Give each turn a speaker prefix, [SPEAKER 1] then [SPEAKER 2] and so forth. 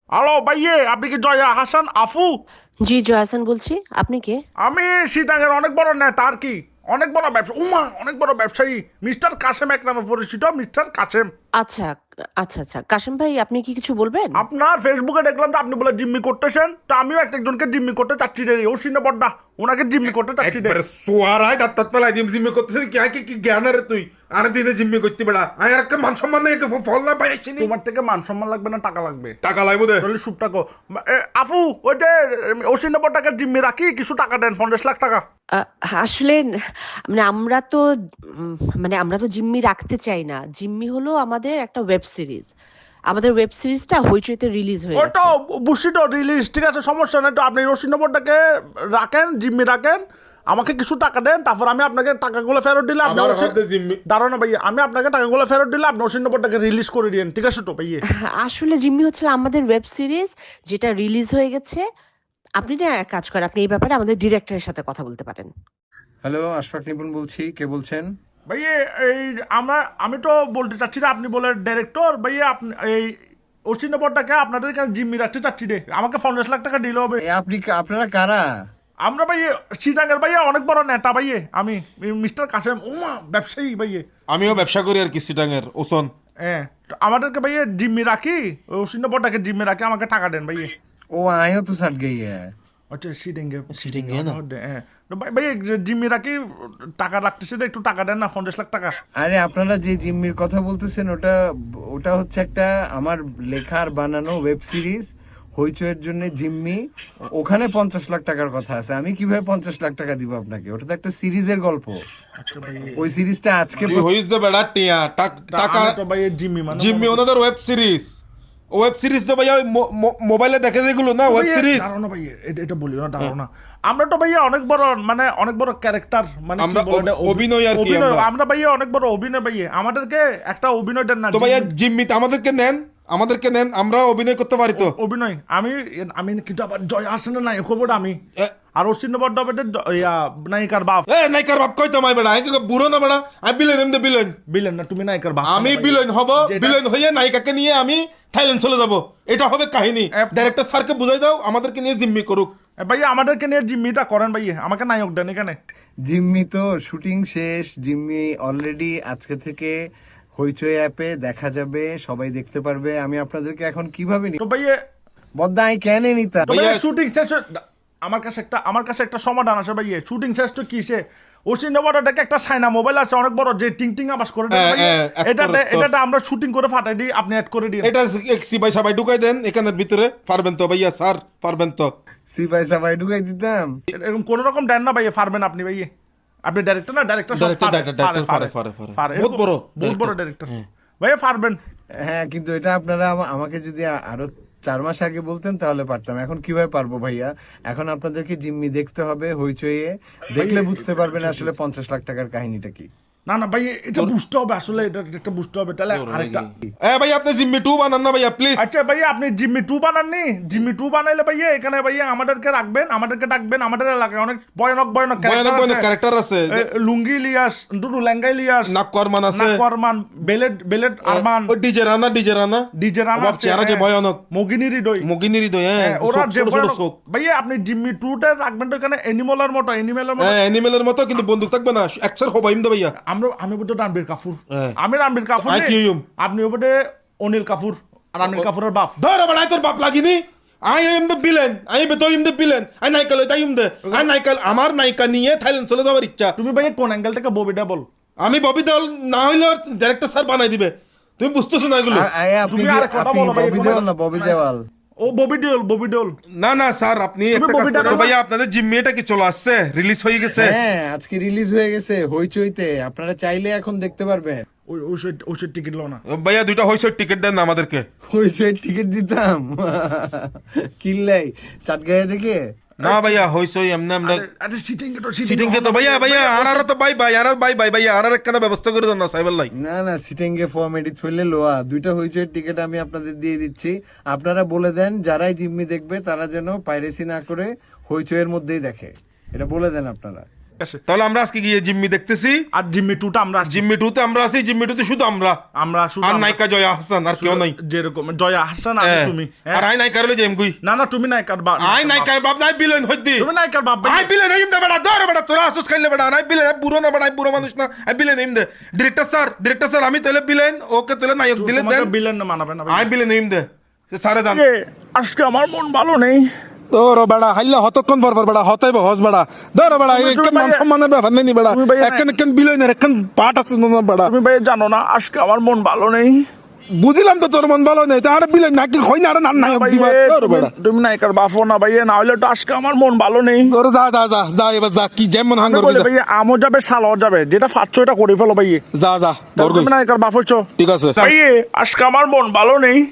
[SPEAKER 1] Hello ভাইয়ে, আপনি কি জয়া হাসান আফু?
[SPEAKER 2] জি জয়াসান বলছি। আপনি কে?
[SPEAKER 1] আমি সিটাঙের অনেক বড় নেতা আর কি, অনেক বড় ব্যবসা, অনেক বড় ব্যবসায়ী, মিস্টার কাসেম এক নামে পরিচিত, মিস্টার কাসেম।
[SPEAKER 2] আচ্ছা, আচ্ছা কাশিম ভাই, আপনি কি কিছু বলবেন?
[SPEAKER 1] আপনার ফেসবুকে দেখলাম তো আপনি বলে জিম্মি করতেছেন, তো আমিও একজনকে জিম্মি করতে চাচ্ছি রে, ও সিনে বড্ডা, ওনাকে জিম্মি করতে চাচ্ছি রে।
[SPEAKER 3] একবারে সোয়ারায় দাঁত পেলাই দিম জিম্মি করতেছিস কি জ্ঞান রে তুই আরে দিনে জিম্মি করতে বেড়া আর একটা মান সম্মান নেই ফল না পাইছি নি
[SPEAKER 1] তোমার থেকে মান সম্মান লাগবে না টাকা লাগবে?
[SPEAKER 3] টাকা লাগবে দে
[SPEAKER 1] তাহলে সুপটা কো। আফু, ওই যে ওসিনে বড্ডাকে জিম্মি রাখি, কিছু টাকা দেন, 50 লাখ টাকা।
[SPEAKER 2] আহ, আসলে মানে আমরা তো আমরা তো জিম্মি রাখতে চাই না। জিম্মি হলো আমাদের একটা ওয়েব সিরিজ। আমাদের ওয়েব সিরিজটা হইচইতে রিলিজ হয়ে
[SPEAKER 1] ওই তো
[SPEAKER 2] গেছে।
[SPEAKER 1] বুঝছি রিলিজ, ঠিক আছে, সমস্যা নেই, তো আপনি রশি নম্বরটাকে রাখেন, জিম্মি রাখেন, আমাকে কিছু টাকা দেন, তারপর আমি আপনাকে টাকাগুলো ফেরত দিলে আপনি
[SPEAKER 3] আমার হাতে জিম্মি
[SPEAKER 1] দাঁড়ানো না ভাইয়া, আমি আপনাকে টাকাগুলো ফেরত দিলে আপনি রশি নম্বরটাকে রিলিজ করে দিন, ঠিক আছে তো ভাইয়া?
[SPEAKER 2] আসলে জিম্মি হচ্ছে আমাদের ওয়েব সিরিজ যেটা রিলিজ হয়ে গেছে। আপনি না এক কাজ করেন, আপনি এই ব্যাপারে আমাদের ডিরেক্টরের সাথে কথা বলতে পারেন।
[SPEAKER 4] হ্যালো, আশফাক নিপুণ বলছি। কে বলছেন?
[SPEAKER 1] ভাইয়া এই আমি তো বলতে চাচ্ছি না, আপনি বলে ডাইরেক্টর ভাইয়া, আপনি এই ওসি নম্বরটাকে আপনাদের এখানে জিম্মি রাখতে চাচ্ছি রে, আমাকে 50 লাখ টাকা দিলে হবে।
[SPEAKER 4] আপনারা কারা?
[SPEAKER 1] আমরা ভাইয়া সিটাঙ্গের ভাইয়া অনেক বড় নেতা ভাইয়া, আমি মিস্টার কাসেম ব্যবসায়ী ভাইয়া।
[SPEAKER 3] আমিও ব্যবসা করি আর কি সিটাঙের ওসন
[SPEAKER 1] হ্যাঁ, তো আমাদেরকে ভাইয়া জিম্মি রাখি, ওই সিন্নপটাকে জিম্মি রাখি, আমাকে টাকা দেন ভাইয়া।
[SPEAKER 4] ও আয়ও তো सट गई है।
[SPEAKER 1] আচ্ছা সিটিংয়ে
[SPEAKER 3] সিটিংয়ে না?
[SPEAKER 1] হ্যাঁ, তো ভাইয়া জিম্মি রাখি, টাকা রাখতেছে, একটু টাকা দেন না, 50 লাখ টাকা।
[SPEAKER 4] আরে আপনারা যে জিম্মির কথা বলতেছেন ওটা ওটা হচ্ছে একটা আমার লেখার বানানো ওয়েব সিরিজ হইচইয়ের জন্য জিম্মি। ওখানে 50 লাখ টাকার কথা আছে। আমি কিভাবে 50 লাখ টাকা দিব আপনাকে? ওটা তো একটা সিরিজের গল্প।
[SPEAKER 1] আচ্ছা ভাইয়া,
[SPEAKER 4] ওই সিরিজটা আজকে
[SPEAKER 3] তুই হইস দে বেড়া টিয়া টাকা
[SPEAKER 1] আমি তো ভাইয়া জিম্মি মানে
[SPEAKER 3] জিম্মি ওনাদের ওয়েব সিরিজ তো ভাইয়া ওই মোবাইলে দেখে যেগুলো না ওয়েব সিরিজ
[SPEAKER 1] দাঁড়ানো ভাইয়া, এটা বলিও না, দাঁড়ানো না। আমরা তো ভাইয়া অনেক বড় অনেক বড় ক্যারেক্টার, মানে
[SPEAKER 3] আমরা
[SPEAKER 1] কি বলে এটা,
[SPEAKER 3] অভিনয় আর কি
[SPEAKER 1] অভিনয়।
[SPEAKER 3] আমরা।
[SPEAKER 1] আমরা ভাইয়া অনেক বড় অভিনয় ভাইয়া, আমাদেরকে একটা অভিনয় দেন না।
[SPEAKER 3] তো ভাইয়া জিম্মিতে আমাদেরকে নেন, আমরা অভিনয় করতে পারি তো।
[SPEAKER 1] অভিনয় আমি আমি কিন্তু আবার জয় হাসানের নায়ক হবো না আমি,
[SPEAKER 3] এ-
[SPEAKER 1] আর অশ্বিন বড্ড নায়িকার বাপ।
[SPEAKER 3] এ নাইকার বাপ কই তো মাই বেড়া আমি বুড়ো না বেড়া, আমি বিলেন এমনি বিলেন,
[SPEAKER 1] বিলেন না, তুমি নায়িকার বাপ।
[SPEAKER 3] আমি বিলেন হব, বিলেন হইয়া নায়িকাকে নিয়ে আমি থাইল্যান্ড চলে যাব, এটা হবে কাহিনী। ডাইরেক্টর স্যারকে বুঝাই দাও আমাদেরকে নিয়ে জিম্মি করুক।
[SPEAKER 1] ভাইয়া আমাদেরকে নিয়ে জিম্মিটা করেন ভাইয়া, আমাকে নায়ক দেন এখানে।
[SPEAKER 4] জিম্মি তো শুটিং শেষ। জিম্মি অলরেডি আজকে থেকে হইচই অ্যাপে দেখা যাবে, সবাই দেখতে পারবে। আমি আপনাদেরকে এখন কিভাবে
[SPEAKER 1] তো ভাইয়া,
[SPEAKER 4] বদ্দাই কেন নিতা?
[SPEAKER 1] শুটিং শেষ আমার কাছে একটা সমাধান আছে ভাইয়া। শুটিং শেষ তো কিসে, অশ্বিন বড্ডটাকে একটা সাইনা মোবাইল আছে অনেক বড়, যে টিং টিং আবাস করে দেন ভাইয়া। এটাতে আমরা শুটিং করে ফাটাই দিই, আপনি অ্যাড করে দিন।
[SPEAKER 3] এটা সিপাই সাবাই ঢুকাই দেন এখানের ভিতরে, পারবেন তো ভাইয়া? স্যার পারবেন তো?
[SPEAKER 4] সিপাই সাপাই ঢুকাই দিতাম।
[SPEAKER 1] এরকম কোন রকম দেন না ভাইয়া, পারবেন আপনি ভাইয়া? আপনি ডাইরেক্টর না, ডাইরেক্টর বহুত বড় ডাইরেক্টর ভাইয়া, পারবেন।
[SPEAKER 4] হ্যাঁ, কিন্তু এটা আপনারা আমাকে যদি আরো 4 মাস আগে বলতেন তাহলে পারতাম। এখন কিভাবে পারবো ভাইয়া? এখন আপনাদেরকে জিম্মি দেখতে হবে হইচইয়ে, দেখলে বুঝতে পারবেন আসলে 50 লাখ টাকার কাহিনীটা কি।
[SPEAKER 1] না না ভাই, এটা বুঝতে হবে আসলে, এটা একটা বুঝতে হবে। তাহলে আরেকটা,
[SPEAKER 3] ভাই আপনি জিম্মি 2 বানান না ভাইয়া প্লিজ।
[SPEAKER 1] আচ্ছা ভাইয়া, আপনি জিম্মি 2 বানাননি? জিম্মি 2 বানাইলে ভাইয়া এখানে ভাইয়া আমাদেরকে রাখবেন, আমাদেরকে ডাকবেন। আমাদের এলাকায় অনেক ভয়ানক
[SPEAKER 3] ক্যারেক্টার আছে।
[SPEAKER 1] লুঙ্গি ইলিয়াস, দুটো লেঙ্গা ইলিয়াস,
[SPEAKER 3] নাকওয়ারমান আছে,
[SPEAKER 1] নাকওয়ারমান, বেলেট আরমান,
[SPEAKER 3] ওই ডিজে রানা
[SPEAKER 1] ডিজে রানা,
[SPEAKER 3] বাপ চেহারা যে ভয়ানক,
[SPEAKER 1] মগিনী হৃদয়,
[SPEAKER 3] মগিনী হৃদয়, হ্যাঁ
[SPEAKER 1] ওরা যে
[SPEAKER 3] ছোট ছোট
[SPEAKER 1] ভয়ানক।
[SPEAKER 3] চোখ।
[SPEAKER 1] ভাইয়া আপনি জিম্মি 2টা রাখবেন তো এখানে অ্যানিমেলের মতো,
[SPEAKER 3] হ্যাঁ অ্যানিমেলের মতো, কিন্তু বন্দুক থাকবে না, একসার হবাইম দে ভাইয়া।
[SPEAKER 1] আমি বলতে রণবীর কাপুর,
[SPEAKER 3] হ্যাঁ।
[SPEAKER 1] আমি রণবীর কাপুর,
[SPEAKER 3] আর কি হইম?
[SPEAKER 1] আপনি ওপরে অনিল কাপুর, আর অনিল কাপুরের বাপ।
[SPEAKER 3] ধর আবার তোর বাপ লাগিনি, I am the villain, I am the villain, I নাইকাল তাই এম দ্য, আই নাইকাল আমার নায়িকা নিয়ে থাইল্যান্ড চলে যাওয়ার ইচ্ছা।
[SPEAKER 1] তুমি ভাইয়া কোন অ্যাঙ্গেল থেকে ববিটা বল?
[SPEAKER 3] আমি ববি দেওয়াল না হইলে ডাইরেক্টর স্যার বানাই দিবে, তুমি বুঝতেছো না এগুলো?
[SPEAKER 4] আপনি
[SPEAKER 1] তুমি আর কথা বলো ভাই,
[SPEAKER 4] ববি দেওয়াল না, ববি দেওয়াল।
[SPEAKER 1] ও ববি দেওল।
[SPEAKER 3] না না স্যার, আপনি একটা কাজ
[SPEAKER 1] ববিটা
[SPEAKER 3] করো
[SPEAKER 1] দাও।
[SPEAKER 3] ভাইয়া, আপনাদের জিম্মি এটা কি চলে আসছে, রিলিজ হয়ে গেছে?
[SPEAKER 4] হ্যাঁ, আজকে রিলিজ হয়ে গেছে হইচইতে। আপনারা চাইলে এখন দেখতে পারবেন।
[SPEAKER 1] ওই টিকিট লো না
[SPEAKER 3] ভাইয়া 2টা হইছে টিকিট দেন না আমাদেরকে।
[SPEAKER 4] হইচই টিকিট দিতাম কিনলাই চাটগাঁয়ে দেখে।
[SPEAKER 3] না ভাইয়া হইছে এমনি আমরা
[SPEAKER 1] আরে
[SPEAKER 3] সিটিং কে তো ভাইয়া আর তো বাই ভাইয়া আর একটা ব্যবস্থা করে দেন না সাইবার লাই।
[SPEAKER 4] না সিটিংয়ে ফর্ম এডিট ফেললে লোয়া। 2টা হইচইয়ের টিকিট আমি আপনাদের দিয়ে দিচ্ছি। আপনারা বলে দেন যারাই জিম্মি দেখবে তারা যেন পাইরেসি না করে হইচইয়ের মধ্যেই দেখে, এটা বলে দেন আপনারা।
[SPEAKER 3] তাহলে আমরা আজকে গিয়ে জিম্মি দেখতেছি,
[SPEAKER 1] আর জিম্মি 2টা আমরা
[SPEAKER 3] জিম্মি 2-তে আমরা আছি, জিম্মি 2-তে শুধু আমরা
[SPEAKER 1] শুধু
[SPEAKER 3] আর নায়িকা জয়া হাসান, আর কেউ নাই।
[SPEAKER 1] যেরকম জয়া হাসান আর তুমি,
[SPEAKER 3] আর আই নায়িকার লই যাইম কই?
[SPEAKER 1] না তুমি নায়িকার বাপ,
[SPEAKER 3] আই নায়িকার বাপ নাই, বিলেন হইদি
[SPEAKER 1] তুমি নায়িকার বাপ ভাই।
[SPEAKER 3] আই বিলেন হইম দে বেটা, ধর বেটা, তোরা আসুস খাইলে বেটা, আই বিলেন, বুড়ো না বেটা, আই বুড়ো মানুষ না, আই বিলেন হইম দে। ডিরেক্টর স্যার আমি তাহলে বিলেন, ওকে তাহলে নায়ক দিলে দেন,
[SPEAKER 1] বিলেন মানাবে না
[SPEAKER 3] আই বিলেন হইম দে। স্যারে জান
[SPEAKER 1] আজকে আমার মন ভালো নেই।
[SPEAKER 3] তোর বেড়া হাইলা হতক্ষণ পর বেড়া হতাইব হস বেড়া, ধর বেড়া এখান মান সম্মানের ব্যাপার নেই বেড়া, একখান বিলেনের একখান পাট আছে না বেড়া।
[SPEAKER 1] তুমি ভাই জানো না আজকে আমার মন ভালো নেই।
[SPEAKER 3] বুঝলাম তো তোর মন ভালো নেই, তার বিলেন নাকি হই না, আর নায়ক দিবা তোর বেড়া।
[SPEAKER 1] তুমি নায়িকার বাপও না ভাই, না হলে তো আজকে আমার মন ভালো নেই।
[SPEAKER 3] তোর যা এবার যা, কি যেমন হাঙ্গর
[SPEAKER 1] ভাই আমও যাবে শালও যাবে, যেটা পাচ্ছ এটা করে ফেলো ভাই।
[SPEAKER 3] যা
[SPEAKER 1] তুমি নায়িকার বাপ হচ্ছ,
[SPEAKER 3] ঠিক আছে
[SPEAKER 1] ভাই আজকে আমার মন ভালো নেই।